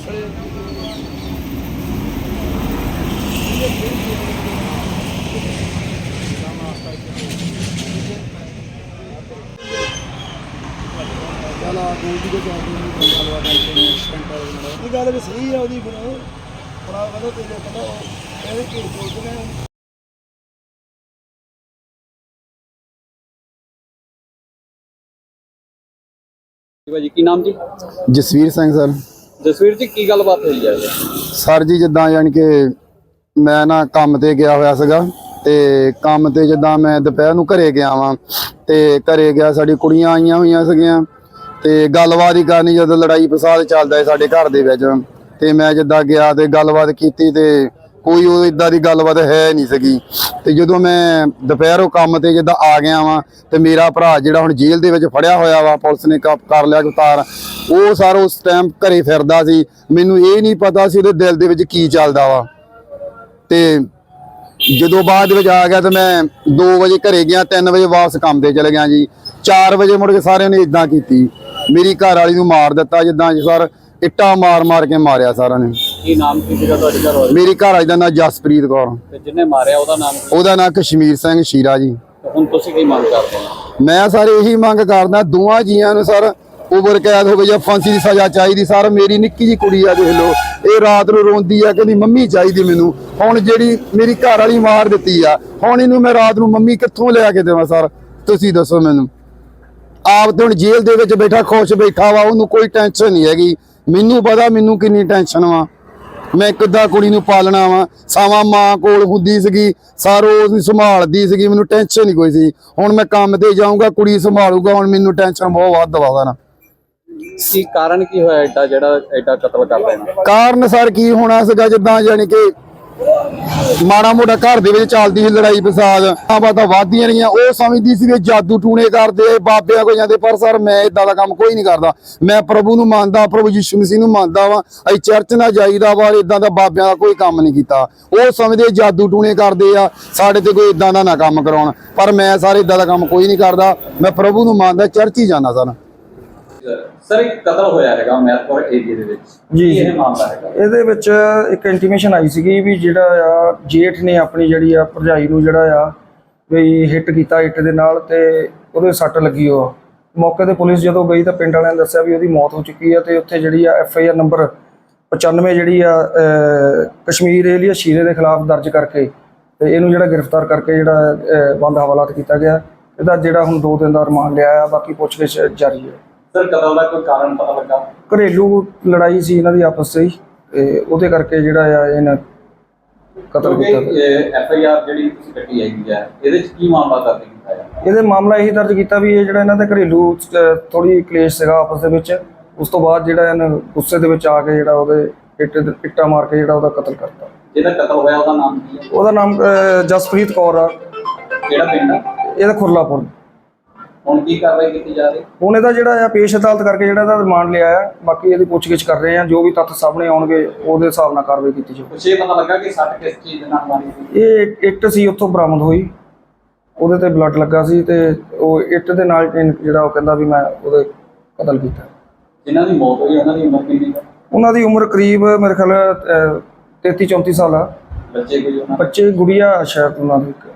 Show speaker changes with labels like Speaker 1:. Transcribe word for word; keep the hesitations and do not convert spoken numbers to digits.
Speaker 1: गल भी सही है ਉਹਦੀ ਫਿਰ ਬੜਾ ਵਧੋ ਤੇਰੇ ਪਤਾ ਇਹਦੇ ਕੀ ਬੋਲਦੇ ਨੇ।
Speaker 2: ਭਾਜੀ ਕੀ ਨਾਮ ਜੀ?
Speaker 3: ਜਸਵੀਰ ਸਿੰਘ ਸਰ।
Speaker 2: ਜਸਵੀਰ ਜੀ ਕੀ ਗੱਲਬਾਤ ਹੋਈ ਹੈ
Speaker 3: ਸਰ ਜੀ? ਜਿੱਦਾਂ ਯਾਨੀ ਕਿ ਮੈਂ ਨਾ ਕੰਮ ਤੇ ਗਿਆ ਹੋਇਆ ਸੀਗਾ ਤੇ ਕੰਮ ਤੇ ਜਿੱਦਾਂ ਮੈਂ ਦੁਪਹਿਰ ਨੂੰ ਘਰੇ ਗਿਆ ਵਾਂ ਤੇ ਘਰੇ ਗਿਆ ਸਾਡੀ ਕੁੜੀਆਂ ਆਈਆਂ ਹੋਈਆਂ ਸੀਗੀਆਂ ਤੇ ਗੱਲਬਾਤ ਹੀ ਕਰਨੀ ਜਦੋਂ ਲੜਾਈ ਫਸਾਦ ਚੱਲਦਾ ਹੈ ਸਾਡੇ ਘਰ ਦੇ ਵਿੱਚ ਤੇ ਮੈਂ ਜਿੱਦਾਂ ਗਿਆ ਤੇ ਗੱਲਬਾਤ ਕੀਤੀ ਤੇ ਕੋਈ ਉਹ ਇਦਾਂ ਦੀ ਗੱਲਬਾਤ ਹੈ ਨਹੀਂ ਸੀਗੀ। ਤੇ ਜਦੋਂ ਮੈਂ ਦੁਪਹਿਰੋਂ ਕੰਮ ਤੇ ਜਿੱਦਾਂ ਆ ਗਿਆ ਵਾਂ ਤੇ ਮੇਰਾ ਭਰਾ ਜਿਹੜਾ ਹੁਣ ਜੇਲ੍ਹ ਦੇ ਵਿੱਚ ਫੜਿਆ ਹੋਇਆ ਵਾ, ਪੁਲਿਸ ਨੇ ਕਰ ਲਿਆ ਗ੍ਰਿਫਤਾਰ, ਉਹ ਸਰ ਉਸ ਟਾਈਮ ਘਰੇ ਫਿਰਦਾ ਸੀ। ਮੈਨੂੰ ਇਹ ਨਹੀਂ ਪਤਾ ਸੀ ਉਹਦੇ ਦਿਲ ਦੇ ਵਿੱਚ ਕੀ ਚੱਲਦਾ ਵਾ। ਤੇ ਜਦੋਂ ਬਾਅਦ ਵਿੱਚ ਆ ਗਿਆ ਤੇ ਮੈਂ ਦੋ ਵਜੇ ਘਰੇ ਗਿਆ, ਤਿੰਨ ਵਜੇ ਵਾਪਸ ਕੰਮ ਤੇ ਚਲੇ ਗਿਆ ਜੀ। ਚਾਰ ਵਜੇ ਮੁੜ ਕੇ ਸਾਰਿਆਂ ਨੇ ਇਦਾਂ ਕੀਤੀ, ਮੇਰੀ ਘਰ ਵਾਲੀ ਨੂੰ ਮਾਰ ਦਿੱਤਾ ਜਿੱਦਾਂ ਸਰ ਇੱਟਾਂ ਮਾਰ ਮਾਰ ਕੇ ਮਾਰਿਆ ਸਾਰਿਆਂ ਨੇ।
Speaker 2: ਕੀ ਨਾਮ ਕੀ ਸੀਗਾ ਤੁਹਾਡੇ ਘਰ ਵਾਲੇ?
Speaker 3: ਮੇਰੀ ਘਰ ਵਾਲੀ ਦਾ ਨਾਮ ਜਸਪ੍ਰੀਤ ਕੌਰ।
Speaker 2: ਤੇ ਜਿਹਨੇ ਮਾਰਿਆ ਉਹਦਾ ਨਾਮ?
Speaker 3: ਉਹਦਾ ਨਾਮ ਕਸ਼ਮੀਰ ਸਿੰਘ ਸ਼ੀਰਾ ਜੀ।
Speaker 2: ਹੁਣ ਤੁਸੀਂ ਕੀ ਮੰਗ ਕਰਦੇ ਹੋ?
Speaker 3: ਮੈਂ ਸਰ ਇਹੀ ਮੰਗ ਕਰਦਾ ਦੋਵਾਂ ਜੀਆਂ ਨੂੰ ਸਰ ਉਮਰ ਕੈਦ ਹੋਵੇ ਜਾਂ ਫਾਂਸੀ ਦੀ ਸਜ਼ਾ ਚਾਹੀਦੀ। ਸਰ ਮੇਰੀ ਨਿੱਕੀ ਜੀ ਕੁੜੀ ਆ, ਦੇਖ ਲਓ, ਇਹ ਰਾਤ ਨੂੰ ਰੋਂਦੀ ਆ, ਕਹਿੰਦੀ ਮੰਮੀ ਚਾਹੀਦੀ ਮੈਨੂੰ। ਹੁਣ ਜਿਹੜੀ ਮੇਰੀ ਘਰ ਵਾਲੀ ਮਾਰ ਦਿੱਤੀ ਆ, ਹੁਣ ਇਹਨੂੰ ਮੈਂ ਰਾਤ ਨੂੰ ਮੰਮੀ ਕਿੱਥੋਂ ਲਿਆ ਕੇ ਦੇਵਾਂ? ਸਰ ਤੁਸੀਂ ਦੱਸੋ ਮੈਨੂੰ। ਆਪ ਤੇ ਹੁਣ ਜੇਲ੍ਹ ਦੇ ਵਿੱਚ ਬੈਠਾ ਖੁਸ਼ ਬੈਠਾ ਵਾ, ਉਹਨੂੰ ਕੋਈ ਟੈਨਸ਼ਨ ਨਹੀਂ ਹੈਗੀ। ਮੈਨੂੰ ਪਤਾ ਮੈਨੂੰ ਕਿੰਨੀ ਟੈਨਸ਼ਨ ਵਾ, ਮੈਂ ਕਿੱਦਾਂ ਕੁੜੀ ਨੂੰ ਪਾਲਣਾ ਵਾ। ਸਾਵਾਂ ਮਾਂ ਕੋਲ ਹੁੰਦੀ ਸੀਗੀ, ਸਾਰੋ ਉਹਨੂੰ ਸੰਭਾਲਦੀ ਸੀਗੀ, ਮੈਨੂੰ ਟੈਨਸ਼ਨ ਨਹੀਂ ਕੋਈ ਸੀ। ਹੁਣ ਮੈਂ ਕੰਮ ਤੇ ਜਾਊਂਗਾ, ਕੁੜੀ ਸੰਭਾਲੂਗਾ, ਹੁਣ ਮੈਨੂੰ ਟੈਨਸ਼ਨ ਬਹੁਤ ਵੱਧ ਵਾ ਨਾ।
Speaker 2: ਕੀ ਕਾਰਨ ਕੀ ਹੋਇਆ ਐਡਾ ਜਿਹੜਾ ਐਡਾ ਕਤਲ ਕਰ ਰਹੇ ਨੇ?
Speaker 3: ਕਾਰਨ ਸਰ ਕੀ ਹੋਣਾ ਸੀਗਾ, ਜਿੱਦਾਂ ਯਾਨੀ ਕਿ ਮਾੜਾ ਮੋਟਾ ਘਰ ਦੇ ਵਿੱਚ ਚੱਲਦੀ ਸੀ ਲੜਾਈ ਫਸਾਦ, ਆ ਬਾਤਾਂ ਵੱਧਦੀਆਂ ਰਹੀਆਂ। ਉਹ ਸਮਝਦੀ ਸੀ ਵੀ ਜਾਦੂ ਟੂਣੇ ਕਰਦੇ, ਬਾਬਿਆਂ ਕੋਲ ਜਾਂਦੇ, ਪਰ ਸਰ ਮੈਂ ਇਦਾਂ ਦਾ ਕੰਮ ਕੋਈ ਨਹੀਂ ਕਰਦਾ। ਮੈਂ ਪ੍ਰਭੂ ਨੂੰ ਮੰਨਦਾ, ਪ੍ਰਭੂ ਯਿਸੂ ਮਸੀਹ ਨੂੰ ਮੰਨਦਾ ਵਾ। ਅਸੀਂ ਚਰਚ ਨਾਲ ਜਾਈਦਾ ਵਾ, ਇਦਾਂ ਦਾ ਬਾਬਿਆਂ ਦਾ ਕੋਈ ਕੰਮ ਨਹੀਂ ਕੀਤਾ। ਉਹ ਸਮਝਦੇ ਜਾਦੂ ਟੂਣੇ ਕਰਦੇ ਆ, ਸਾਡੇ ਤੇ ਕੋਈ ਇਦਾਂ ਦਾ ਨਾ ਕੰਮ ਕਰਾਉਣ, ਪਰ ਮੈਂ ਸਾਰੇ ਇਦਾਂ ਦਾ ਕੰਮ ਕੋਈ ਨਹੀਂ ਕਰਦਾ। ਮੈਂ ਪ੍ਰਭੂ ਨੂੰ ਮੰਨਦਾ, ਚਰਚ ਹੀ ਜਾਂਦਾ ਸਰ।
Speaker 2: ਸਰ ਇੱਕ ਕਤਲ ਹੋਇਆ ਹੈਗਾ ਮਹਿਤਪੁਰ ਏਰੀਏ ਦੇ ਵਿੱਚ
Speaker 4: ਜੀ।
Speaker 2: ਇਹ ਮਾਮਲਾ ਹੈਗਾ, ਇਹਦੇ
Speaker 4: ਵਿੱਚ ਇੱਕ ਇੰਟੀਮੇਸ਼ਨ ਆਈ ਸੀਗੀ ਵੀ ਜਿਹੜਾ ਆ ਜੇਠ ਨੇ ਆਪਣੀ ਜਿਹੜੀ ਆ ਭਰਜਾਈ ਨੂੰ ਜਿਹੜਾ ਆ ਵੀ ਹਿੱਟ ਕੀਤਾ ਇੱਟ ਦੇ ਨਾਲ ਤੇ ਉਹਦੇ ਸੱਟ ਲੱਗੀ। ਉਹ ਮੌਕੇ ਤੇ ਪੁਲਿਸ ਜਦੋਂ ਗਈ ਤਾਂ ਪਿੰਡ ਵਾਲਿਆਂ ਨੇ ਦੱਸਿਆ ਵੀ ਉਹਦੀ ਮੌਤ ਹੋ ਚੁੱਕੀ ਆ ਤੇ ਉੱਥੇ ਜਿਹੜੀ ਆ ਐਫ ਆਈ ਆਰ ਨੰਬਰ ਪਚਾਨਵੇਂ ਜਿਹੜੀ ਆ ਕਸ਼ਮੀਰ ਏਰੀਆ ਸ਼ੀਰੇ ਦੇ ਖਿਲਾਫ ਦਰਜ ਕਰਕੇ ਤੇ ਇਹਨੂੰ ਜਿਹੜਾ ਗ੍ਰਿਫਤਾਰ ਕਰਕੇ ਜਿਹੜਾ ਬੰਦ ਹਵਾਲਾਤ ਕੀਤਾ ਗਿਆ। ਇਹਦਾ ਜਿਹੜਾ ਹੁਣ ਦੋ ਦਿਨ ਦਾ ਰਿਮਾਂਡ ਲਿਆ ਆ, ਬਾਕੀ ਪੁੱਛਗਿੱਛ ਜਾਰੀ ਹੈ।
Speaker 2: ਸਰ ਕਤਲ ਦਾ ਕੋਈ ਕਾਰਨ ਪਤਾ ਲੱਗਾ?
Speaker 4: ਘਰੇਲੂ ਲੜਾਈ ਸੀ ਇਹਨਾਂ ਦੀ ਆਪਸ ਵਿੱਚ ਤੇ ਉਹਦੇ ਕਰਕੇ ਜਿਹੜਾ ਆ ਇਹਨਾਂ ਕਤਲ ਕੀਤਾ।
Speaker 2: ਐਫ ਆਈ ਆਰ ਜਿਹੜੀ ਤੁਸੀਂ ਕੱਟੀ ਹੈਗੀ ਆ, ਇਹਦੇ ਵਿੱਚ ਕੀ ਮਾਮਲਾ ਦਰਜ ਕੀਤਾ ਹੈ?
Speaker 4: ਇਹਦੇ ਮਾਮਲਾ ਇਹੀ ਦਰਜ ਕੀਤਾ ਵੀ ਇਹ ਜਿਹੜਾ ਇਹਨਾਂ ਦੇ ਘਰੇਲੂ ਥੋੜੀ ਕਲੇਸ਼ ਸੀਗਾ ਆਪਸ ਦੇ ਵਿੱਚ। ਉਸ ਤੋਂ ਬਾਅਦ ਜਿਹੜਾ ਇਹਨਾਂ ਗੁੱਸੇ ਦੇ ਵਿੱਚ ਆ ਕੇ ਜਿਹੜਾ ਉਹਦੇ ਇੱਟ ਇੱਟਾਂ ਮਾਰ ਕੇ ਜਿਹੜਾ ਉਹਦਾ ਕਤਲ ਕਰਤਾ।
Speaker 2: ਜਿਹਦਾ ਕਤਲ ਹੋਇਆ ਉਹਦਾ ਨਾਮ ਕੀ ਹੈ?
Speaker 4: ਉਹਦਾ ਨਾਮ ਜਸਪ੍ਰੀਤ ਕੌਰ ਆ।
Speaker 2: ਕਿਹੜਾ ਪਿੰਡ ਆ?
Speaker 4: ਇਹਦਾ ਖੁਰਲਾਪੁਰ।
Speaker 2: ਹੁਣ ਕੀ ਕਾਰਵਾਈ ਕੀਤੀ ਜਾ ਰਹੀ?
Speaker 4: ਹੁਣ ਇਹਦਾ ਜਿਹੜਾ ਆ ਪੇਸ਼ ਅਦਾਲਤ ਕਰਕੇ ਜਿਹੜਾ ਇਹਦਾ ਰਿਮਾਂਡ ਲਿਆ ਆ, ਬਾਕੀ ਇਹਦੀ ਪੁੱਛਗਿੱਛ ਕਰ ਰਹੇ ਆ। ਜੋ ਵੀ ਤੱਥ ਸਾਹਮਣੇ ਆਉਣਗੇ ਉਹਦੇ ਹਿਸਾਬ ਨਾਲ ਕਾਰਵਾਈ ਕੀਤੀ ਜਾਊਗੀ।
Speaker 2: ਕੁਛ ਇਹ ਪਤਾ ਲੱਗਾ ਕਿ ਸੱਟ ਕਿਸ ਚੀਜ਼ ਦੇ ਨਾਲ ਮਾਰੀ ਸੀ?
Speaker 4: ਇਹ ਇੱਟ ਸੀ ਉੱਥੋਂ ਬਰਾਮਦ ਹੋਈ, ਉਹਦੇ ਤੇ ਬਲੱਡ ਲੱਗਾ ਸੀ ਤੇ ਉਹ ਇੱਟ ਦੇ ਨਾਲ ਜਿਹੜਾ ਉਹ ਕਹਿੰਦਾ ਵੀ ਮੈਂ ਉਹਦੇ ਕਤਲ ਕੀਤਾ।
Speaker 2: ਜਿਨ੍ਹਾਂ ਦੀ ਮੌਤ ਹੋਈ ਉਹਨਾਂ ਦੀ ਉਮਰ ਕਿੰਨੀ ਹੈ?
Speaker 4: ਉਹਨਾਂ ਦੀ ਉਮਰ ਕਰੀਬ ਮੇਰੇ ਖਿਆਲ ਤੇਤੀ ਚੌਂਤੀ ਸਾਲ ਆ।
Speaker 2: ਬੱਚੇ ਕੋਈ ਉਹਨਾਂ?
Speaker 4: ਬੱਚੇ ਗੁੜੀਆ ਸ਼ਾਇਦ ਉਹਨਾਂ ਦੀ